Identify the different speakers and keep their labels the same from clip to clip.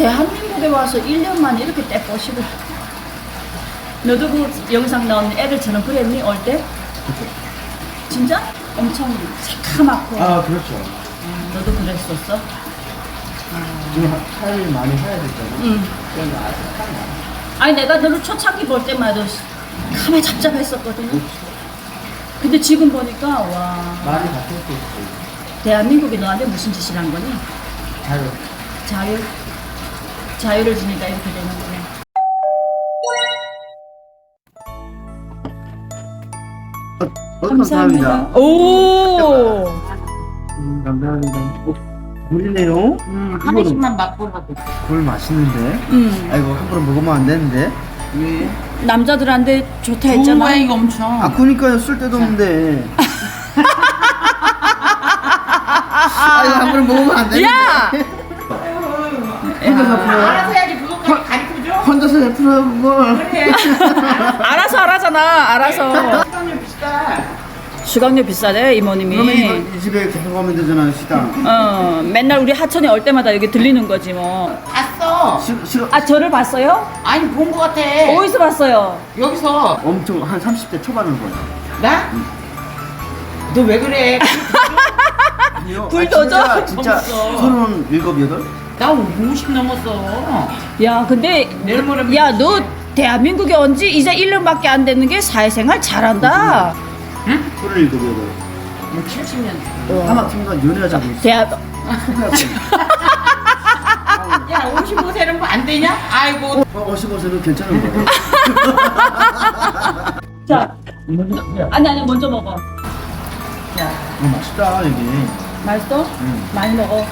Speaker 1: 대한민국에 와서 1년 만에 이렇게 떼 뽀시고. 너도 그 영상 나오는 애들처럼 그랬니, 올 때?
Speaker 2: 그렇죠.
Speaker 1: 진짜? 엄청 새카맣고.
Speaker 2: 아, 그렇죠.
Speaker 1: 너도 그랬었어?
Speaker 2: 지금 살을 많이 해야 됐잖아.
Speaker 1: 응.
Speaker 2: 그래서 아직 살이 많아.
Speaker 1: 아니, 내가 너를 초창기 볼 때만 해도 카메 잡잡했었거든요. 근데 지금 보니까, 와.
Speaker 2: 많이 바뀌었을 수 있지.
Speaker 1: 대한민국이 너한테 무슨 짓을 한 거니?
Speaker 2: 자유.
Speaker 1: 자유? 자유를 주니까 이렇게 되는 거네.
Speaker 2: 감사합니다.
Speaker 1: 오!
Speaker 2: 감사합니다. 물이네요.
Speaker 3: 한 번씩만 맛보라고.
Speaker 2: 물 맛있는데. 아이고, 함부로 먹으면 안 되는데.
Speaker 3: 왜?
Speaker 1: 남자들한테 좋다
Speaker 3: 좋은
Speaker 1: 했잖아.
Speaker 3: 거야 이거 엄청.
Speaker 2: 아, 그니까요. 쓸 데도 없는데. 아니, 함부로 먹으면 안 되는데.
Speaker 1: 야!
Speaker 2: 혼자서 풀어요.
Speaker 3: 알아서 해야지 그것까지 가르쳐줘.
Speaker 2: 혼자서 풀어요, 그걸.
Speaker 3: 그래.
Speaker 1: 알아서 하라잖아, 알아서.
Speaker 3: 시간이 비싸.
Speaker 1: 수강료 비싸대, 이모님이.
Speaker 2: 그러면 이거 이 집에 계속 가면 되잖아요, 식당.
Speaker 1: 맨날 우리 하천에 올 때마다 여기 들리는 거지, 뭐.
Speaker 3: 봤어.
Speaker 1: 아, 저를 봤어요?
Speaker 3: 아니 본 거 같아.
Speaker 1: 어디서 봤어요?
Speaker 3: 여기서
Speaker 2: 엄청 한 30대 초반을 보여.
Speaker 3: 나? 너 왜 그래?
Speaker 2: 아니요.
Speaker 1: 불도저?
Speaker 2: 진짜
Speaker 3: 없어.
Speaker 2: 37, 8?
Speaker 3: 나 50 넘었어.
Speaker 1: 야, 근데.
Speaker 3: 내일 모레
Speaker 1: 야, 너 대한민국에 온 지 이제 1년밖에 안 됐는 게 사회생활 잘한다.
Speaker 3: 응?
Speaker 2: 37, 8.
Speaker 3: 뭐 70년.
Speaker 2: 하마팀과 연애하자고 있어.
Speaker 3: 야 55세는 뭐 안 되냐? 아이고.
Speaker 2: 55세는 괜찮은 거야.
Speaker 1: 자, 아니, 먼저 먹어.
Speaker 3: 야.
Speaker 2: 맛있다, 여기.
Speaker 1: 맛있어?
Speaker 2: 응.
Speaker 1: 많이 먹어.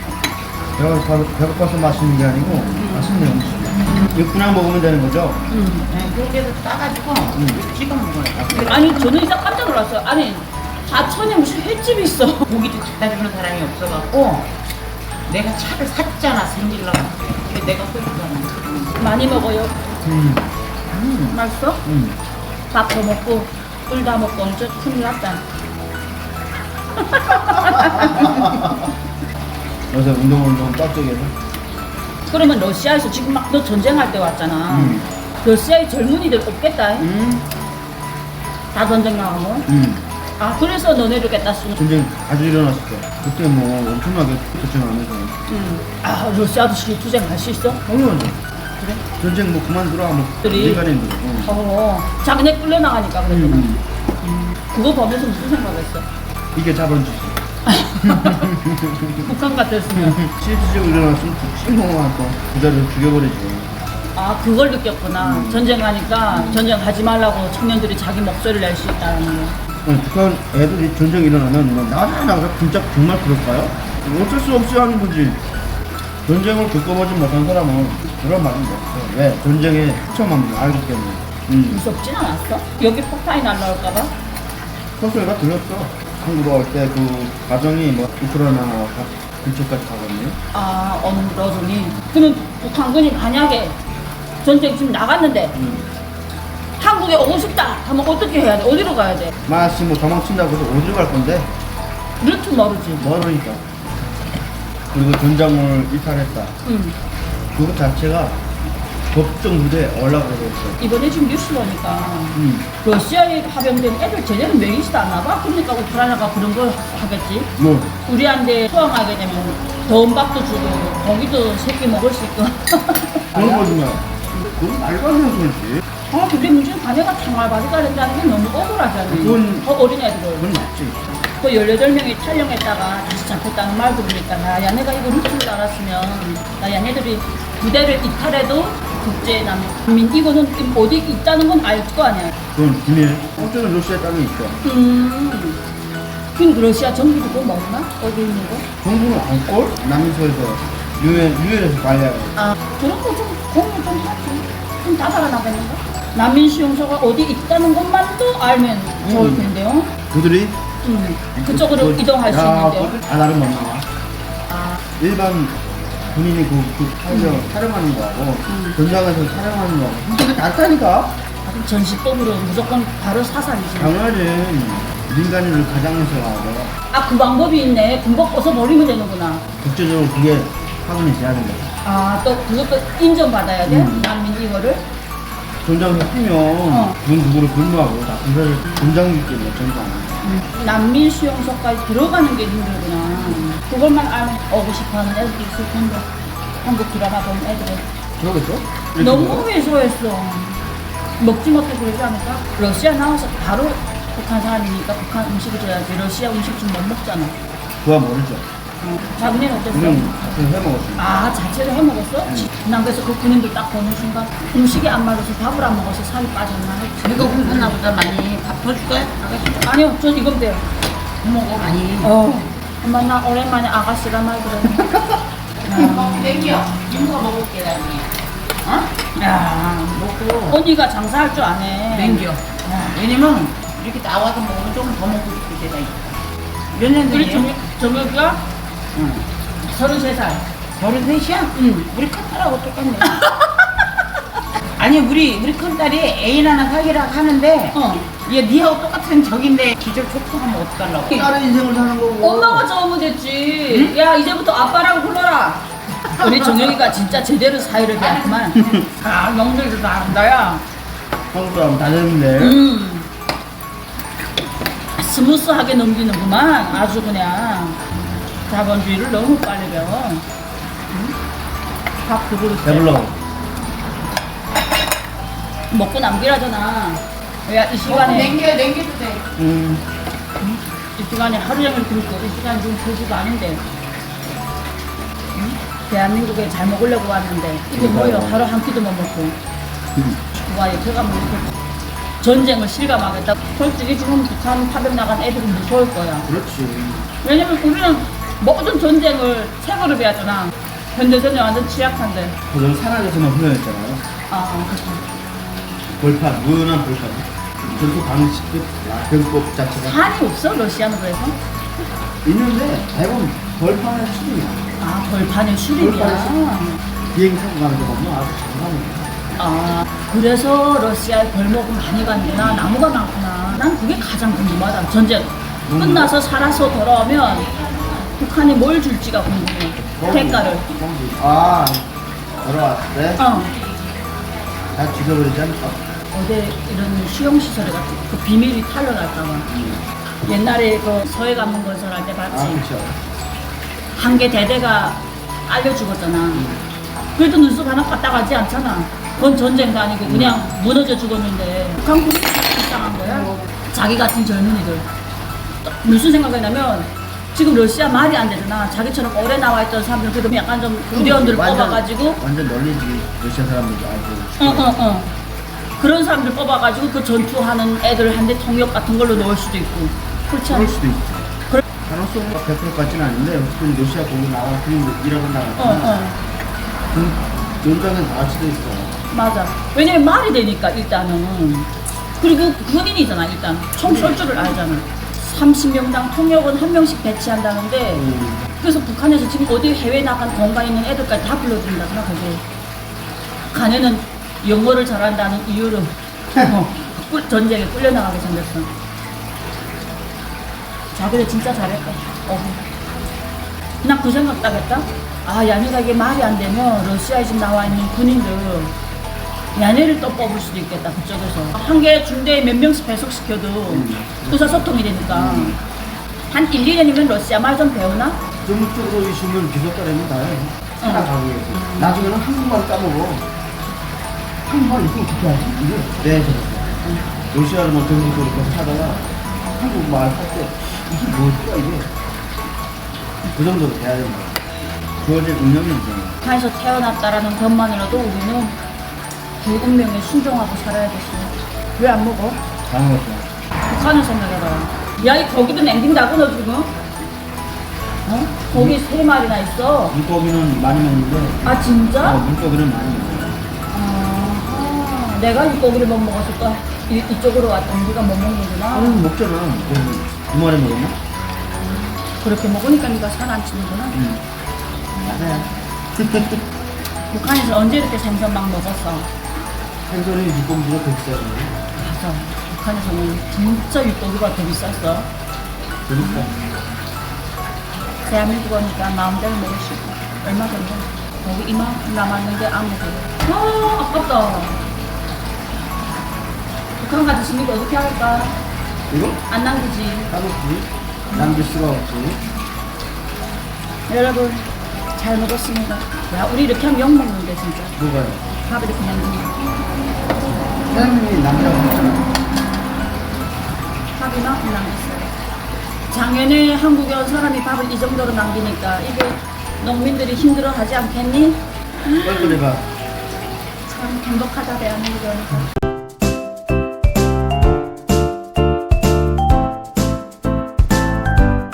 Speaker 2: 배고파서 맛있는 게 아니고, 맛있네요, 음식이. 이거 그냥 먹으면 되는 거죠?
Speaker 3: 그렇게 해서 따가지고 찍어 먹어요.
Speaker 1: 아니, 저는 진짜 깜짝 놀랐어요. 아니, 하천에 무슨 횟집이 있어.
Speaker 3: 고기도 갖다 주는 사람이 없어갖고 내가 차를 샀잖아 생길라고. 근데 내가 끓였잖아.
Speaker 1: 많이 먹어요.
Speaker 2: 음.
Speaker 1: 맛있어? 밥도 먹고, 꿀 다 먹고 엄청 큰일 났다.
Speaker 2: 요새 운동을 너무 빡세게 해서.
Speaker 1: 그러면 러시아에서 지금 막 너 전쟁할 때 왔잖아. 러시아의 젊은이들 없겠다. 다 전쟁 나가면. 아, 그래서 너네를 겠다 쓰는.
Speaker 2: 전쟁 아주 일어났을 때. 그때 뭐 엄청나게 도전하면서.
Speaker 1: 아, 러시아도 실투쟁 할 수 있어?
Speaker 2: 당연하죠. 그래? 전쟁 뭐 그만두라, 뭐.
Speaker 1: 들이?
Speaker 2: 민간인들.
Speaker 1: 자기네 끌려나가니까 그랬구나. 그거 보면서 무슨 생각했어?
Speaker 2: 이게 자본주의.
Speaker 1: 북한 같았으면.
Speaker 2: 실질적으로 일어났으면 신공한 또 부자를 죽여버리지.
Speaker 1: 아, 그걸 느꼈구나. 전쟁하니까 전쟁하지 말라고 청년들이 자기 목소리를 낼 수 있다는 거.
Speaker 2: 북한 애들이 전쟁 일어나면 뭐 나가서 진짜 정말 그럴까요? 어쩔 수 없이 하는 거지. 전쟁을 겪어보지 못한 사람은 그런 말은 없어. 왜? 전쟁의 처참함을 알기 때문에.
Speaker 1: 무섭진 않았어? 여기 폭탄이 날라올까봐?
Speaker 2: 소리가 들렸어. 한국으로 올 때 그 가정이 뭐 우크라이나 근처까지 가거든요.
Speaker 1: 아, 어느 러중이. 그러면 북한군이 만약에 전쟁 지금 나갔는데 한국에 오고 싶다 하면 어떻게 해야 돼? 어디로 가야 돼?
Speaker 2: 마치 뭐 도망친다고 해서 어디로 갈 건데?
Speaker 1: 루트 모르지.
Speaker 2: 멀으니까. 그리고 전장을 이탈했다. 그것 자체가 법정 무대에 올라가게 됐어.
Speaker 1: 이번에 지금 뉴스 보니까 러시아에 합병된 애들 제대로 먹이지도 않나 봐. 그러니까 우크라이나가 그런 걸 하겠지.
Speaker 2: 뭐?
Speaker 1: 우리한테 수항하게 되면 더운 밥도 주고 고기도 새끼 먹을 수 있고.
Speaker 2: 그런 거지만. 그건 말도 안 되는 소리지.
Speaker 1: 아, 근데 문제는 자네가 생활바지가 된다는 게 너무 억울하잖아.
Speaker 2: 그건-
Speaker 1: 어린애들.
Speaker 2: 그건 맞지.
Speaker 1: 그 18명이 촬영했다가 다시 잡혔다는 말 들으니까 나 야네가 이거 루트를 알았으면 나 야네들이 부대를 이탈해도 국제난민 이거는 어디 있다는 건 알 거 아니야.
Speaker 2: 그건 비밀. 어쩌면 러시아 땅에 있어.
Speaker 1: 그럼 러시아 정부도 그거 먹나? 어디 있는 거?
Speaker 2: 정부는 안골 남미소에서 유엔에서 관리하고.
Speaker 1: 아, 그런 거 좀 공유 좀 하지. 좀 다 살아나겠는가? 난민 수용소가 어디 있다는 것만도 알면 좋을 텐데요.
Speaker 2: 그들이
Speaker 1: 그쪽으로 이동할 수 있는데요.
Speaker 2: 나는 못 나와.
Speaker 1: 아,
Speaker 2: 일반 군인이 촬영하는 거하고 전장에서 촬영하는 거하고 진짜 다르다니까.
Speaker 1: 그럼 전시법으로 무조건 바로 사살이지.
Speaker 2: 당연하지. 민간인을 가장해서 하고
Speaker 1: 아, 그 방법이 있네. 군복 벗어버리면 되는구나.
Speaker 2: 국제적으로 그게 확인이 돼야 된다.
Speaker 1: 아, 또 그것도 인정받아야 돼?
Speaker 2: 음.
Speaker 1: 난민 이거를?
Speaker 2: 전장을 피면 그건 누구를 근무하고 나쁜 사실 전장이기 때문에 전장.
Speaker 1: 난민 수용소까지 들어가는 게 힘들구나. 그것만 알면 오고 싶어하는 애들도 있을 텐데. 한국 드라마 본 애들은.
Speaker 2: 그러겠죠?
Speaker 1: 너무 왜소했어. 먹지 못해 그러지 않을까? 러시아 나와서 바로 북한 사람이니까 북한 음식을 줘야지. 러시아 음식 좀 못 먹잖아.
Speaker 2: 그거 모르죠.
Speaker 1: 자기네는 어땠어?
Speaker 2: 우리는 같이 해 먹었어요.
Speaker 1: 아, 자체로 해 먹었어? 난 그래서 그 군인들 딱 보는 순간 음식이 안 맞아서 밥을 안 먹어서 살이 빠졌나 했지.
Speaker 3: 이거 굶었나 보다 많이. 밥 더 줄까요? 아가씨?
Speaker 1: 아니요, 전 이건 돼요.
Speaker 3: 먹어 많이.
Speaker 1: 엄마 나 오랜만에 아가씨가 말 그러네.
Speaker 3: 땡겨. 김서 먹을게 나중에. 어?
Speaker 1: 야,
Speaker 3: 먹고.
Speaker 1: 언니가 장사할 줄 아네.
Speaker 3: 땡겨. 왜냐면 이렇게 나와서 먹으면 조금 더 먹고 싶을 때가 있어. 몇 년
Speaker 1: 우리
Speaker 3: 전이에요?
Speaker 1: 정혁이가
Speaker 3: 응.
Speaker 1: 33살.
Speaker 3: 33이야?
Speaker 1: 응.
Speaker 3: 우리 큰딸하고 똑같네. 아니 우리 큰딸이 애인 하나 사귀라고 하는데 얘 니하고 똑같은 적인데 기절 촉촉하면 어떡하려고.
Speaker 2: 다른 인생을 사는 거고.
Speaker 1: 엄마가 적으면 됐지. 야, 이제부터 아빠라고 불러라. 우리 정혁이가 진짜 제대로 사회를 배웠구만. 아, 명절도 다 한다, 야.
Speaker 2: 한국 사람 다 되는데.
Speaker 1: 스무스하게 넘기는구만. 아주 그냥. 자본주의를 너무 빨리 배워. 밥 두 그릇.
Speaker 2: 배불러.
Speaker 1: 먹고 남기라잖아. 야, 이 시간에.
Speaker 3: 냉겨도 돼.
Speaker 1: 이 시간에 하루 종일 굶고 이 시간 지금 2시가 아닌데 대한민국에 잘 먹으려고 왔는데 이게 뭐예요? 하루 한 끼도 못 먹고 와 제가 뭐 이렇게 전쟁을 실감하겠다. 솔직히 지금 북한 파병 나간 애들은 무서울 거야.
Speaker 2: 그렇지.
Speaker 1: 왜냐면 우리는 모든 전쟁을 책으로 배웠잖아. 현대전쟁 완전 취약한데.
Speaker 2: 그걸 산악에서만 훈련했잖아요.
Speaker 1: 아 그렇죠.
Speaker 2: 벌판, 무연한 벌판. 전투 방식급 병법 자체가
Speaker 1: 산이 없어 러시아는 그래서?
Speaker 2: 있는데 대부분 벌판의 수준이야.
Speaker 1: 아 벌판의 수립이야.
Speaker 2: 비행기 타고 가는 데가 없나? 아주 장관이야.
Speaker 1: 아, 그래서 러시아에 벌목을 많이 갔구나. 나무가 많구나. 난 그게 가장 궁금하다. 전쟁 끝나서 살아서 돌아오면 북한이 뭘 줄지가 궁금해. 대가를.
Speaker 2: 아, 돌아왔을 때?
Speaker 1: 어.
Speaker 2: 다 죽여버리지 않을까?
Speaker 1: 어디 이런 수용시설에 같은 그 비밀이 탄로날까봐. 옛날에 그 서해 관문 건설할 때
Speaker 2: 아,
Speaker 1: 봤지.
Speaker 2: 그렇죠.
Speaker 1: 한 개 대대가 알려 죽었잖아. 그래도 눈썹 하나 갖다 가지 않잖아. 그건 전쟁도 아니고 그냥 무너져 죽었는데 북한 군인이 불쌍한 거야. 자기 같은 젊은이들. 무슨 생각이 나면 지금 러시아 말이 안 되잖아. 자기처럼 오래 나와 있던 사람들 그래도 약간 좀 구대원들 뽑아가지고
Speaker 2: 완전 널리지. 러시아 사람들도 아주.
Speaker 1: 그런 사람들 뽑아가지고 그 전투하는 애들 한테 통역 같은 걸로 넣을 수도 있고 그렇지
Speaker 2: 그럴
Speaker 1: 않아?
Speaker 2: 수도 있지.
Speaker 1: 그래.
Speaker 2: 가능성이 100%까지는 아닌데 어쨌든 러시아 거기 나와 그리고 일하고 나가. 그 연장은 다 같이 돼 있어.
Speaker 1: 맞아. 왜냐면 말이 되니까 일단은. 그리고 군인이잖아 일단. 총 쏠 줄을 알잖아. 30명당 통역은 한 명씩 배치한다는데 그래서 북한에서 지금 어디 해외 나간 공간 있는 애들까지 다 불러준다잖아 거기. 북한에는 영어를 잘한다는 이유로 전쟁에 끌려나가게 생겼어. 자기들 진짜 잘했다. 난 그 생각 딱 했다. 아, 야네가 이게 말이 안 되면 러시아에 지금 나와 있는 군인들 야네를 또 뽑을 수도 있겠다, 그쪽에서. 한 개 중대에 몇 명씩 배속시켜도 의사소통이 되니까. 한 1, 2년이면 러시아 말 좀 배우나?
Speaker 2: 전국적으로 있으면 기술가라면 다 해. 살아가고 있어. 나중에는 한국말 까먹어. 한국말 이거 어떻게 하지? 이게 네, 저렇게. 러시아를 뭐 전국적으로 계속 하다가 한국말 할 때 이게 뭘까 이게? 그 정도로 돼야 된다. 주어진 운명이잖아.
Speaker 1: 북한에서 태어났다라는 것만으로도 우리는 그 운명에 순종하고 살아야겠어. 왜 안 먹어?
Speaker 2: 다 먹었어.
Speaker 1: 북한을 생각해봐. 야, 이 고기도 냉긴다고 너 지금? 어? 고기 3마리나 있어.
Speaker 2: 물고기는 많이 먹는데
Speaker 1: 아, 진짜?
Speaker 2: 물고기는 많이 먹어.
Speaker 1: 아, 내가 이 고기를 못 먹어서 또 이쪽으로 왔던 네가 못 먹는구나.
Speaker 2: 먹잖아. 두 마리 먹었나?
Speaker 1: 그렇게 먹으니까 네가 살 안 찌는구나.
Speaker 2: 맞아요.
Speaker 1: 북한에서 언제 이렇게 생선 막 먹었어?
Speaker 2: 생선이 물고기보다 더 비싸요.
Speaker 1: 맞아. 북한에서는 진짜 육고기가 더 비쌌어.
Speaker 2: 그러니까.
Speaker 1: 대한민국 오니까 마음대로 먹을 수 있고. 얼마 전에 여기 이만큼 남았는데 아무도. 아, 아깝다. 북한 가졌으니까 어떻게 할까?
Speaker 2: 이거?
Speaker 1: 안 남기지.
Speaker 2: 따먹지. 남길 수가 없지.
Speaker 1: 여러분, 잘 먹었습니다. 야, 우리 이렇게 하면 욕먹는데, 진짜.
Speaker 2: 누가요?
Speaker 1: 밥 이렇게 남기니까.
Speaker 2: 사장님이 남자고 했잖아.
Speaker 1: 밥 이만큼 남겼어요. 작년에 한국에 온 사람이 밥을 이 정도로 남기니까 이게 농민들이 힘들어 하지 않겠니?
Speaker 2: 뻘뻘해봐.
Speaker 1: 참 행복하다, 대한민국은.